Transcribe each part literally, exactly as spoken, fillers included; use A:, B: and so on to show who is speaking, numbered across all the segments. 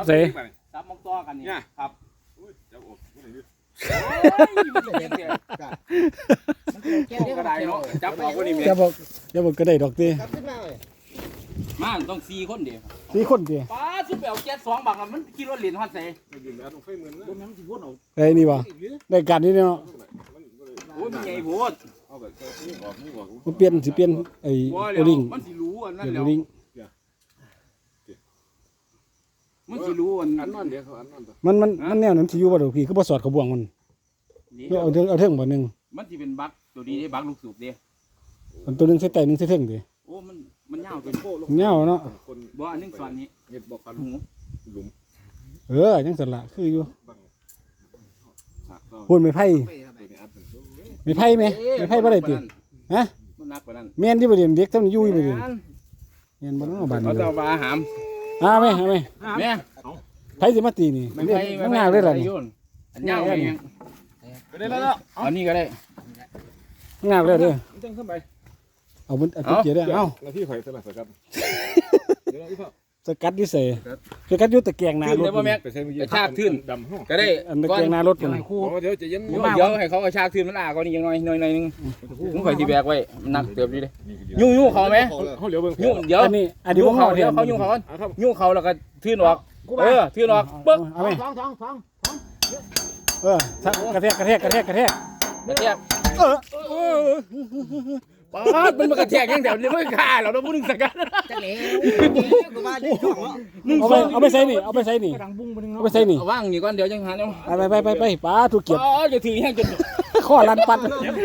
A: ใส่
B: ซับมองต่อกันนี่ครับจะอดกระไดเนาะจับออกก็นี่
A: จะบอกจะบอกกระไดดอกตี
B: มาต้องสี่คนเดียว
A: สี่คนตี
B: ป้าซุปเปลเจ็ดสองบางมันคิดว่าเหรียญฮอดเซ่
A: ไอ้นี่วะได้การนี้เนาะ
B: โอ้ยมันใหญ่โพด
A: มันเปลี่ยนสิเปลี่ยนไอ้โอลิง
B: มันสิรู้อันนั้นแล้ว
A: โอลิง
B: มันสิรู้อัน
C: อันนั้นเดี๋ยวเขาอันนั้น
A: มันมันมันแนวนั้นสิอยู่บ่ดอกพี่คือบ่สอดกระบวงมันเอาเทิงเอาเทิงบ่นึง
B: มันสิเป็นบักตัวนี้ได้บักลูกสูบเด้
A: มันตัวนึงใส่ใต้นึงใส่เทิงดิ
B: โอ้มันมันยาวเป็นโป้ลง
A: ยาวเนาะ
B: บ่อันนึงสอนนี้
C: เฮ็ดบ่คัน
B: หู
C: หลุม
A: เออจังซั่นล่ะคืออยู่พูดไม่ไผ่ไม่ไผ่มั้ยไม่ไผ่บ่ได้ติฮะ
B: มันหนักกว่านั้น
A: แม่นที่บ่เรียนเด็กเท่านี้อยู่บ่เรียนแม่นบ่เนาะบ้านนี้
B: เขาจะเอาปลาหาม
A: อ่าแม่แม่
B: แม่
A: ไผสิมาตีนี่มันง่ายเลยล่ะนี่
B: อันยาวเองก็ได้แล้วอันนี้ก็ได้
A: ง่ายเลยเด้อ
C: จังขึ้นไป
A: เอามันเอาเกียร์ได้เอ้า
C: หน้าที่ข่อยสลับสกัด
A: สกัดดิเสสกัดอยู่ตะแกรงหน้ารถ
B: ไปใส่เมื่อกี้ชากทื่นดำก็ได้
A: อันตะแกรงหน้ารถกัน
C: เดี๋ยวจะเย็น
B: เดี๋ยวให้เขาเอาชากทื่นมันอ่ะก็นี่ยังน้อยน้อยนึงผมข่อยสิแบกไว้มันหนักเติบดีเลยยุ่งยุ่งเขาไหม
C: เขาเหลียวเบิ่ง
B: ยุ่งเดี๋ยว
A: อันนี้อันนี้
B: เขาเดี๋ยวเขายุ่งเขายุ่งเขาแล้วก็ทื่นออกเออทื่นออกปึ๊ก
A: เอาไหม
D: สองสองสอง
A: เออกระแทกกระแทกกระแทกกระแทก
B: กระแทกเออป๊าดมันมากระแทกยังเดี๋ยวนี้ไม่ฆ่าเราต้องพูดถึงสักการ
D: จะเหลวกูว่าจะช่อง
A: เอาไปเอาไปใส่นี่เอาไปใส่นี่เอาไปใส่นี่
B: ว่างอยู่ก่อนเดี๋ยวยังหาเนาะ
A: ไปไปไปไปป้าถูกเกียบ
B: อ๋อจะถือแห้งจน
A: ข้อลันปัด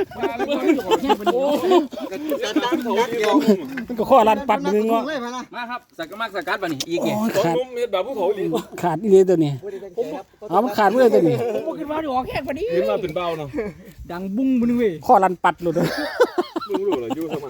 A: มันก็ข้อลันปัดนึงเนาะ
B: มาครับสักมากสักกัดป่ะนี่อีกไง
C: ขาดนุ่มเฮ็ดแบบภูเขาอี
A: ขาดอีเลยตัวนี้เอามันขาดเลยตัวนี้
D: ผมคิดว่าจะออกแค่พอดี
C: เห็นมาเป็นเบาเนาะ
D: ดังบุ้งมันเว้ย
A: ข้อลันปัดเลย
C: ลุงรู้เหรออยู่สมัย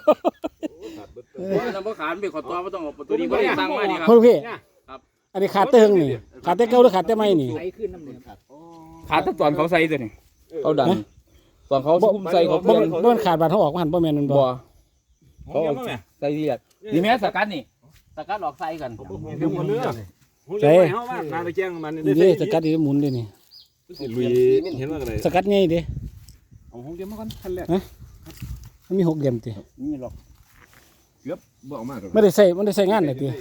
B: ว่าน้ำขาดไปขอตัวไม่ต้องออกตัวนี้ก็ได้สั่งมาดีครับ
A: พี่ครับอันนี้ขาดเติงนี่ขาดเต้เก้าหรือขาดเต้ไม่นี่
B: ขาดตอนเขาใส่ตัวนี้เขาดันตอนเขาคุ้มใส่เขา
A: บ่บ่ขาดบาดเขาออกมาหันบ่แม่นมันบ่
B: เขาใส่เรียดนี่แม่สกัดนี่สกัดออกใส่กัน
C: เรื่องมันเนื้อใส่เฮาว่านาไปแจ้งมัน
A: นี่สกัดนี่หมุนดินี่
C: ลุยเห็นว่าอะไร
A: สกัดไงดิ
C: เอาหกเดียวมาก่อนขั้นแรก
A: มันมีหกเหลี่ยมติ
B: นี่หรอก
C: เกือบบ่ออกมา
A: ไม่ได้ใส่ไม่ได้ใส่งานเลยติ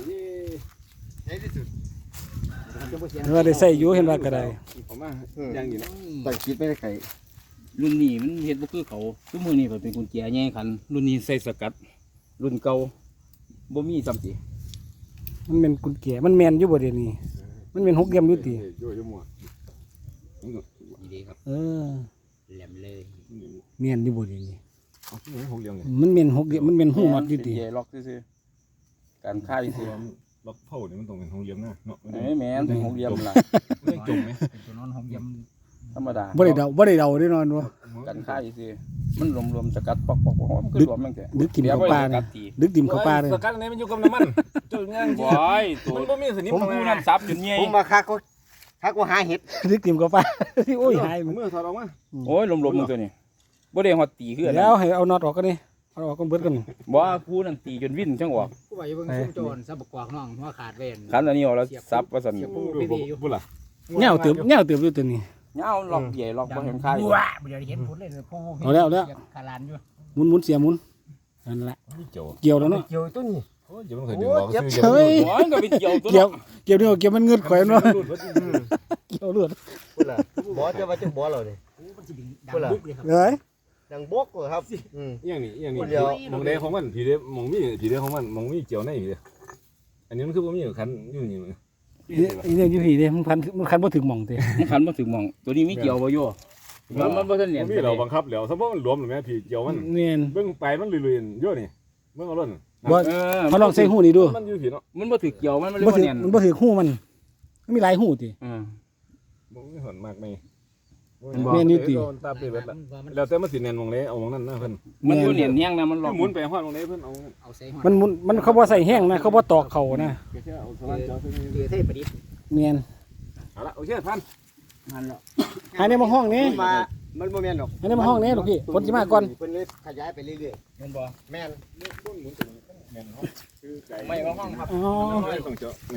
A: ว่าได้ใส่อยู่เห็นว่าก็ได้
C: ออกมาอย่างนี้เนาะ
D: ตั้งคิดไม่ได้ไก่
B: รุ่นนี้มันเฮ็ดบ่คือเขาคือมือนี้เป็นกุญแจแย่ขันรุ่นนี้ใส่สกัดรุ่นเก่าบ่มีซ้ำสิ
A: มันเป็นกุญแจมันแมนอยู่บ่เดี๋ยวนี้มันเป็นหกเหลี่ยมอยู่ติ
C: อยู่อยู่หมด
B: ดีครับ
A: เออ
B: แหลมเลย
A: แมนอยู่บ่เดี๋ยวนี้
C: หกเหลี่ยมเลย
A: มันแมนหกเหลี่ยมมันแมนหูน็อตอยู่ติ
B: ล็อกซื่อๆการค่ายซื่อ
C: ล็อกเผานี่มันต้องเป็นหกเหลี่ยมนะเนาะ
B: เอ้ยแม่นเป็นหกเหลี่ยมล่ะ
C: ไม่จมมั้ย
D: ตัวนอนหกเหลี่ยม
B: ธรรมดา
A: บ่ได้เดาบ่ได้เดาได้นอนบ่
B: การค่ายซื่อมันรวมๆสกัดปอกๆมันคือรวมมันแค่
A: ดึกกินเข้าปลาเนี่ยดึกดิ่มเข้าปลาเลย
C: สกัดอันนี้มันอยู่กับน้ำมันจุดงาน
B: บ่อยตัว
C: มันบ่มีสนิม
B: ผมผู้นั้นซับจนใหญ่
D: ผมมาคักก็คักว่าหาเห็ด
A: ดึกดิ่มเข้าปลาโอ้ยหาย
C: มือถอดออกมา
B: โอ้ยรวมๆมึงตัวนี้บ่ได้ฮอดตีคือ
A: แล้วให้เอาน็อตออกกันนี่เอาออกกันเบิดกัน
B: บ่ผู้นั้นตีจนวิ่นจังออก
D: ผู้ว่าอยู่เบิ่งซุ่มโจรซับกวากน้องหัวขาดเว้น
B: คันอันนี้ออกแล้วซับว่าซั่น
C: บ่ล่ะ
A: แนวเติบแนวเติบอยู่ตัวนี้
B: เงาล็อกใหญ่ล็อกบ่เห็นค่าย
D: ว้าบ่ได้เห็นผลเลยผู้
A: เอาแล้วแล้ว
D: ขาลานอยู่
A: หมุนหมุนเสียหมุนนั่นแหละเกี่ยวแล้วเนาะ
D: เกี่ยวตัวนี้
C: โอ้ยจะมันเคยดึงออก
A: ซื้อเฮ้ย
B: โอ้ยก็เป็นเกี่ยวตัว
A: เกี่ยวเกี่ยวนี่เกี่ยวมันเงือดข่อยเนาะเกี่ยวเลือด
D: พุ่นล่ะบ่จะว่าจังบ่เรานี่มันสิดังบุกเลยครับ
A: เอ้ย
D: ดังบกเลยครับ
C: อืมอย่างนี้อย่างนี้มองแดงของมันผีเด้มองมีผีเด้ของมันมองมีเกี่ยวในผีเด้อันนี้มันคือบ่มีคันอยู่นี่มัน
A: อีเนี่ยอยู่ผีเด้มันคันมันคันบ่ถึงหม่องติ
B: มันคันบ่ถึงหม่องตัวนี้มีเกี่ยวบ่อยู่มันมันบ่ทันเนียน
C: มีเราบังคับแล้วสมมุติมันรวมหรือแม่ผีเกี่ยวมัน
A: เนียน
C: เบิ่งไปมันลุยๆอยู่นี่เบิ่งเอาล่น
A: บ่เขาลองใส่หูนี่ดู
C: มันอยู่ผีเนาะ
B: มันบ่ถึกเกี่ยวมันมันเลยบ่เนียน
A: มันบ่ถึกหูมันมันมีหลายหูติ
B: เออ
C: บ่มีหอนมากมั้ย
A: แม่นอยู่ติ
C: ตาเปิดแล้วแล้วแต่มันสิแน่นมองเลยเอามองนั้นนะเพิ่น
B: มันบ่เนียนแฮงนะมันหลอก
C: หมุนไปฮอดมองเลยเพิ่นเอา
D: เอาใส่ฮอด
A: มันหมุนมันเขาบ่ใส่แห้งนะเขาบ่ตอกเข่านะ
C: เอาสลัดเจาะ
D: เทเทประดิษฐ์
A: แม่น
C: เอาละโอเคพัน
D: นั่นแหละ
A: ให้ในมาห้องนี้
D: มามันบ่แม่นดอก
A: ให้ในมาห้องนี้ลูกพี่ฝนสิมาก่อน
D: เพิ่นเลยขยายไปเรื่อย
B: ๆแม่นบ่
D: แม่น
C: ต้นหมุนตัวนี้แม่นเฮาคือไก่
B: ไม่มาห้องครับ
A: อ๋อ
C: ไม่ต้องเจาะนี่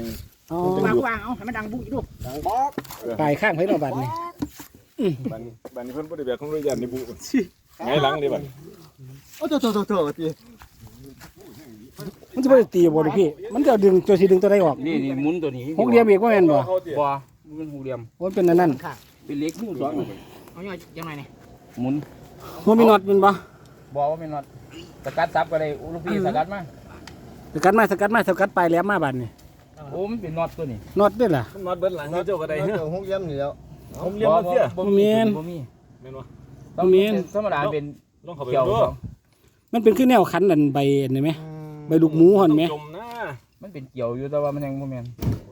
A: อ๋อ
E: วางวางเอาให้มันดังบุ้ยดู
D: ดังบอก
A: ปลายข้างไผเนาะบัดนี้
C: บัดนี้บัดนี้เพิ่นบ่ได้แบบของโรงยานนี่บุไงหลังนี่บัด
D: โอ้โตโตโตโตที
A: มันสิบ่ได้ตีบ่ลูกพี่ มันจะดึงตัวสิดึงตัวใดออก
B: นี่นี่หมุนตัวนี้
A: หกเหลี่ยมอีกบ่แม่นบ่
B: บ่มันเป็นหกเหลี่ยม
A: มันเป็นอันนั้น
E: ค่ะ
B: เป็นเหล็กหูสอง
E: เอาย่อยยังไงเนี่ย
B: หมุน
A: มันมีน็อตแม่นบ่
B: บ่ว่าเป็นน็อตสกัดซับก็ได้ลูกพี่สกัดมา
A: สกัดมาสกัดมาสกัดปลายแหลมมาบัดนี้
B: โอ้มันเป็นน็อตตัวนี้
A: น็อตเด้อล่ะ
C: มันมัดเบิดหลังเจ้าก็ได้
D: เรา
C: เนาะ
D: เจอหกเยี่ยมนี่แล้ว
C: ผมเลี้ยงมาเสีย
B: บ่
A: บ่มี
B: บ่มี
C: แม่นบ่
B: ต้องมีธรรมดาเป็น
C: ลองเข้าไป
B: เกี่ยว
C: ดู
B: สอง
A: มันเป็นคือแนวคันนั่นใบนี่ไหมใบลูกหมูหั่นไหม
C: จมนะ
B: มันเป็นเกี่ยวอยู่แต่ว่ามันยังบ่แม่น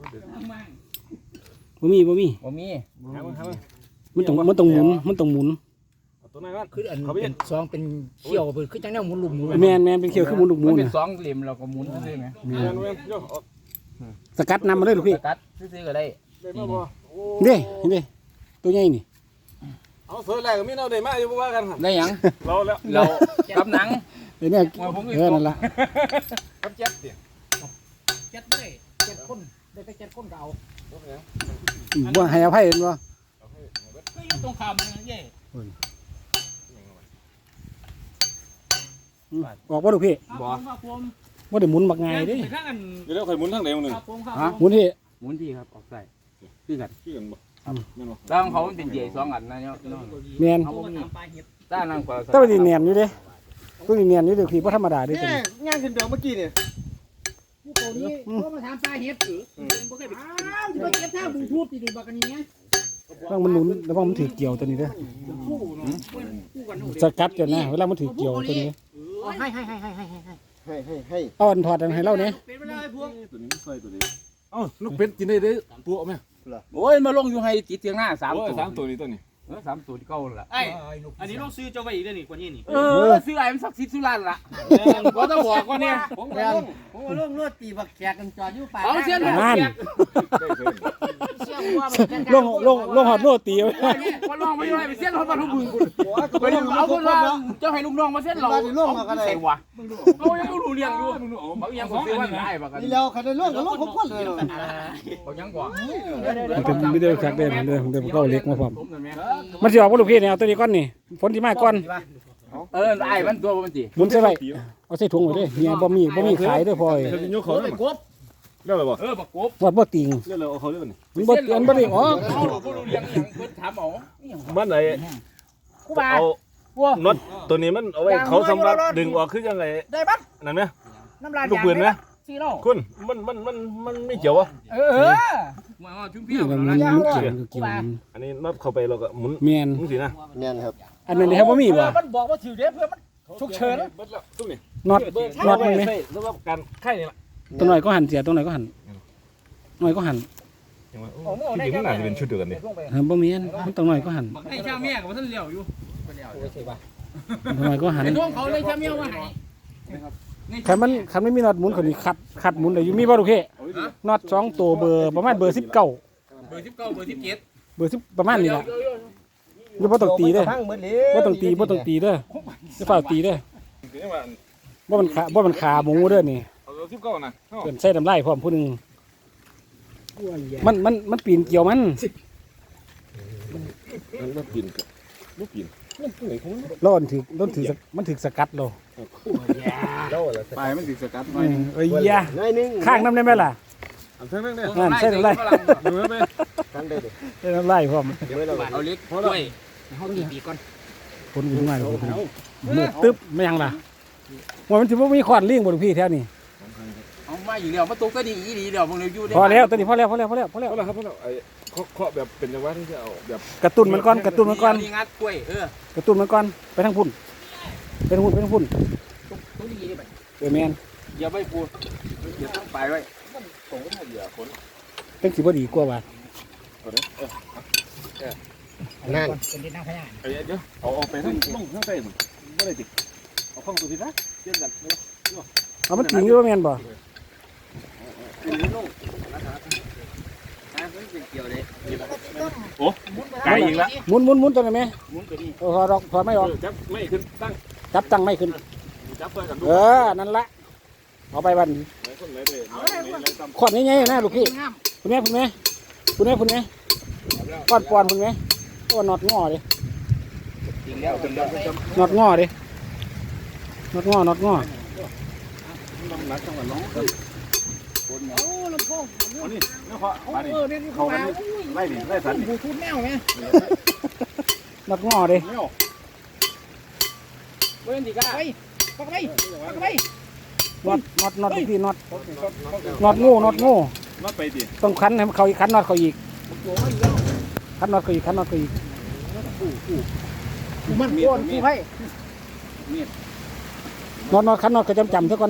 A: บ่มีบ่มี
B: บ่มี
C: หามาหามา
A: มันต้องมันต้องหมุนมันต้องหมุน
C: เอาตัวนั้นก่อน
E: คืออัน
C: เขาไป
E: เป็นซองเป็นเขี้ยวเปิดคือจังแนวหมุนลุมหมุน
A: แม่นแม่นเป็นเขียวคือหมุนลูกหมู
B: มันเป็น
A: น่ะ
B: สองเหลี่ยมเราก็หมุนซื่อๆไหม
C: แม่นแม่นโยเอา
A: สกัดนำมาเลยลูกพี่
B: สกัดซื่อๆก็ได้
C: ได้มาบ่โอ้
A: เด้เห็นเด้ตัวใหญ่นี่
C: เอาเสือแรกก็มีเอาได้มาอยู่บ่ว่ากันครับ
B: ได้หยัง
C: เราแล้ว
B: เรากับหนัง
A: เดี๋ยวนี้
B: ว่าผมอีก
A: เออนั่นล่ะ
C: กับเจ็บติ
E: เจ็ดได้เจ็ดคนได้ไปเจ็ดคนก็เอา
A: บ่ให้อภัยเห็นบ่
E: ก็อยู่ตรงข้ามมันเย่
A: อืมออกบ่ลูกพี่
E: บ่ครับผม
A: บ่ได้หมุนบักง่ายเด้
E: ไปข้างอัน
C: เดี๋ยวเราค่อยหมุนทางใดทางหนึง
E: ครับผมครับ
B: ฮะ
A: หมุนที่
B: หมุนที่ครับออกใส่คือกัน
C: คือกันบ่แม่นบ่
B: แล้วของเขามันเป็นเหย่สองอันนะเนาะ
A: แม่น
E: เอามาทำปลาเห็ด
B: ด้านนั่งกว่า
A: แต่ว่าสิเนียนอยู่เด้ตัวนี้เนียนอยู่เด้อพี่บ่ธรรมดาเด้ตัว
D: นี่
A: นี้
D: งานขึ้นเดียวเมื่อกี้เนี่ย
E: ผู้โตนี้ก็มาทำปลาเห็ดหรือบ่เคยไปอ้าวที่ไปเก็บท่าบูทูธที่ดูบักกันนี้เนี่ย
A: ระวังมันหนุนระวังมันถือเกี่ยวตัวนี้เด้อ
E: คู่เนาะคู่กัน
A: สกัดกันนะเวลามันถือเกี่ยวตัวนี้
E: ให้ให้ให้ให้ให้ให้
D: ให้ให้ให้
A: เอาอันถอดอันให้เราเนี่ย
E: เป็นเวลาพวก
C: ตัวนี้มันใส่ตัวนี้เอ้าลูกเป็ดกินได้เด้อตัวเอาแม่
B: โอ้ยมาลงอยู่ให้ติดเตียงหน้าสาม
C: โอ้ย
B: ตัว
C: สามตัวนี้ตัวนี้
B: เออสามตัวที่เก่าละ
E: ไอ้อันนี้ต้องซื้อเจ้าไว้อีกเด้อนี่กว่านี้นี่
B: เออซื้อไอ้มันสักสิบสุรานละก็ต้องบอกว่าเนี่ย
D: ผมก็ลงผมก็ลงรถตีบักแขกกันจอดอยู่ป่า
B: เอาเสี้ยนหัว
A: นั่น
B: เสียก
C: ได้เพิ่น
E: เชี่ยวว่ามันกัน
A: ลงลงลงหอดโรตีไว้
B: ว่าลองไปด้วยไปเสี้ยนรถบรรทุกบึงคุณไปดูเอาคนว่าเจ้าให้ลูกน้องมาเสี้ยนเราใส่วะเอายังรู้เรียงอยู่บางอย่างผมซื้อว่าได้บางกัน
D: นี่แล้วคันได้ลงก็ลงผมคนเลย
B: บางอย่างกว่า
A: มันเป็นไม่ได้สักเด้อมันเด้อมันเด้อมันก็เอาเหล็กมาพร้อมมันสิออกบ่ลูกพี่เนี่ยเอาตัวนี้ก่อนนี่ฝนสิมาก่อน
B: เออไอ้มันตัวมันจี
A: หมุนใส่ไว้เอาใส่ถุงไว้เด้อเนี่ยบ่มีบ่มีขายเด้อพ่อย
C: เดี๋ยวจะยกเขาได้บ่เรียกอะไรบ่
B: เออบักกบ
A: วัดบ่ติง
C: เรียกอะไรเอาเขาเรียกว่านี่
A: มันบ่อันบ่ได้ออก
B: เอาผู้รู้เรียงอย่างเพิ่นถามเอา
C: มันไหน
E: กูบา
C: เอาน็อตตัวนี้มันเอาไว้เขาสำหรับดึงออกคือยังไง
E: ได้ปั๊บ
C: นั่นไหม
E: น้ำลาย
C: ลูกปืนไหม
E: ซีโร่
C: คุณมันมันมันมันไม่เกี่ยววะ
E: เออ
B: มาชุ่ม
A: นี่
B: เพี้ยว
A: มันมันมันเกี่ยวเกี่ยว
C: อันนี้น็อตเข้าไปเราก็หมุน
A: แม่น
C: หมุนสินะ
D: แม่นครับ
A: อันนั้นนี่ครับบ่มีบ่
E: มันบอกว่าถือเด้เพื่อมันฉุกเฉิน
C: เบิดแล้วตุ้มนี่
A: น็อตน็อตมันไหม
C: สำหรับการไข่นี่แหละ
A: ตัวหน่อยก็หันเสียตัวหน่อยก็หันหน่อยก็หัน
C: จริงๆมันอาจจะเป็นชุดเดียวกันดิ
A: เออบ่แม่นมันตัวหน่อยก็หัน
B: บักให้ชาเมียกับท่านเลี้ยวอยู่
A: ตัวหน่อยก็หัน
B: ไอ้น้องเขาเลยชาเมียว่าให้
A: คันมันคันไม่มีน็อตหมุนคนนี้คัดคัดหมุนได้อยู่มีบ่ลูกพี่น็อตสองตัวเบอร์ประมาณเบอร์สิบเก้า
B: เบอร์สิบเก้าเบอร์สิบเจ็ด
A: เบอร์สิบประมาณนี้ล่ะอย่าบ่ต้องตีเด้อ
D: พังหมดเลย
A: บ่ต้องตีบ่ต้องตีเด้ออย่าฝ่าตีเด้อ
C: คือว่า
A: บ่มันขาบ่มันขาหมูเด้อนี่
C: เอาสิบเก้านะ
A: เพิ่นใส่น้ำลายพร้อมผู้หนึงมันมันมันปีนเกี่ยวมัน
C: มันไม่ปีนไม่ปีนมันตัวไหนของมัน
A: ร้อนถึกร้อนถึกมันถึกสกัดโล
D: แล้วอะไร
B: ไปมันติดสกัด
A: เออเอ้ยยะ
D: น้อยนึง
A: ข้างน้ำได้ไหมล่ะ
C: อันเท่านั้นเนี่ย
A: นั่นใส่น้ำลาย
C: ดูไหม
D: กันได้ดิ
A: ใส่น้ำลายพร้อม
D: เดี๋ยวเรา
B: เอาเล็กด้วย
E: เขาตีปีก่อน
A: คนอยู่ง่ายเลยมืดตึ๊บไม่ยังล่ะว่ามันถือว่ามีขวานเลี้ยงบนพี่แถวนี้
B: เอามาอยู่เดียวมาตกก็ดีอีดีเดียวมึงเลยอยู่ได้
A: พอแล้วตอนนี้พอแล้วพอแล้วพอแล้วพอแล้ว
C: เอาละครับเอาละไอ้เคาะเคาะแบบเป็นจังหวะที่จะเอาแบบ
A: กระตุ้นมันก่อนกระตุ้นมันก่อน
B: นี่งัดกล้วยเออก
A: ระตุ้นมันก่อนไปทางพุ่นไปทางพุ่นไปทางพุ่น
E: ตัวนี้นี่แบบ
A: เออแมน
B: อย่าไปพูดอย่าต้องไปไว้
C: ตรงก็ไม่เหลือคน
A: เป็นสิบ่ดีกว่าว่ะ
D: นั่น
E: เป็นดินน้ำพญา
C: ไอ้เดี๋ยวเอาเอาไปทั้งลงทั้งใต้หมดไม่ได้ติดเอาข้องตัวที่นะเชื่อมกัน
A: เอามันจริงหรือว่าแมนบ่
B: เกี่ยวเลย
C: ไกลอีกแล้ว
A: หมุนหมุนหมุนตัวนั้นไหม
B: มุ้งตัวนี้
A: เออพอดอกพอไม่ออก
C: จับไม่ขึ้นตั้ง
A: จับตั้งไม่ขึ้น
C: จับเพื่อนกันดู
A: เออนั่นละเอาไปบันขวดนี้ไงนะลูกพี่คุณแม่คุณแม่คุณแม่คุณแม่ก้อนปอนคุณแม่ก้อนนอดงอดินอดงอดินอดงอนอดงอ
E: โอ้ลำโพง
C: นี่นี่เขา
E: เออเนี่ยเขามา
C: ไล่ดิไล่สัน
E: บูทูธแมวไง
A: นอดงอดิ
B: เว้นดีก้า
E: ไปปักไปปักไป
A: นอดนอดนอดลูกพี่นอดนอดงูนอดงู
C: มาไปดิ
A: ต้องคันให้เขาอีกคันนอดเขาอีกคันนอดเขาอีกคันนอดเขาอีก
E: มันโอนกูให้
A: นอดนอดคันนอดก็จำจำซะก่อน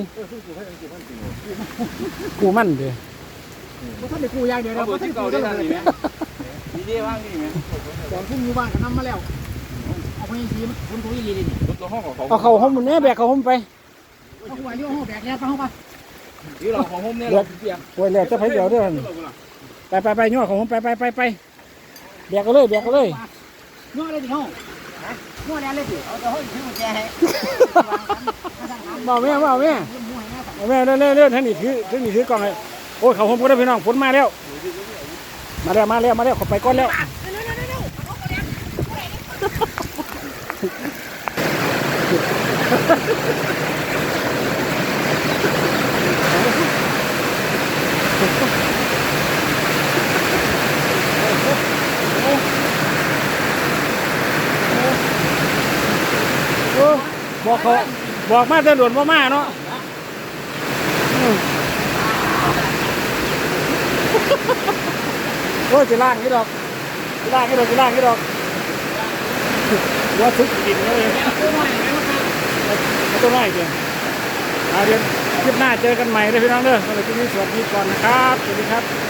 A: กูมั่นเด้อ
E: กูท่านได้กูยางเดียว
B: เอา
E: แล้ว
B: เบอ
E: กู
B: ร์
E: ท่าน
B: ที่
E: ได้
B: เก่า
E: กู
B: ได้
E: ได้
B: ทัน
E: เล
B: นี่
E: ย
B: ไหมดีเด้ว่างนี่ไหม
E: ก่อนพุ่งอยู่บ้านก็นำมาแล้วเอาไปยังทีมันคนตัวอีลีนี่
B: รถตัวห้องของเขา
A: เอาเขาห้องมันแม่แบกเขาห้องไป
E: เอาหัวโยห้องแบกแล้วไปห้องไป
B: ที่เราของผมเนี่ยเราเปียก
A: โอ้ยแล้วจะไปเดี๋ยวเด้อไปไปไปย่อของผมไปไปไปไปแบกกันเลยแบกกันเลย
E: นวดอะไรดิห้องนวดอะไรดิเอาแต่ห้องที่มันแจให้
A: เบาแม่เบาแม่เบาแม่เรื่อยเรื่อยเรื่อยท่านนี่ถือท่านนี่ถือกล่องเลยโอ้ยเขาห้องก็ได้พี่น้องฝนมาแล้วมาแล้วมาแล้วมาแล้วเขาไปก้อนแล้วบอกเขาบอกมาจะด่วนว่ามาเนาะโอ้ยจะล่างนี่ดอกจะล่างนี่ดอกจะล่างนี่ดอกว่าทุกดินเลยไม่ต้องไหวเดียวเดี๋ยวคลิปหน้าเจอกันใหม่เลยพี่น้องเด้อสำหรับคลิปนี้สวัสดีก่อนนะครับสวัสดีครับ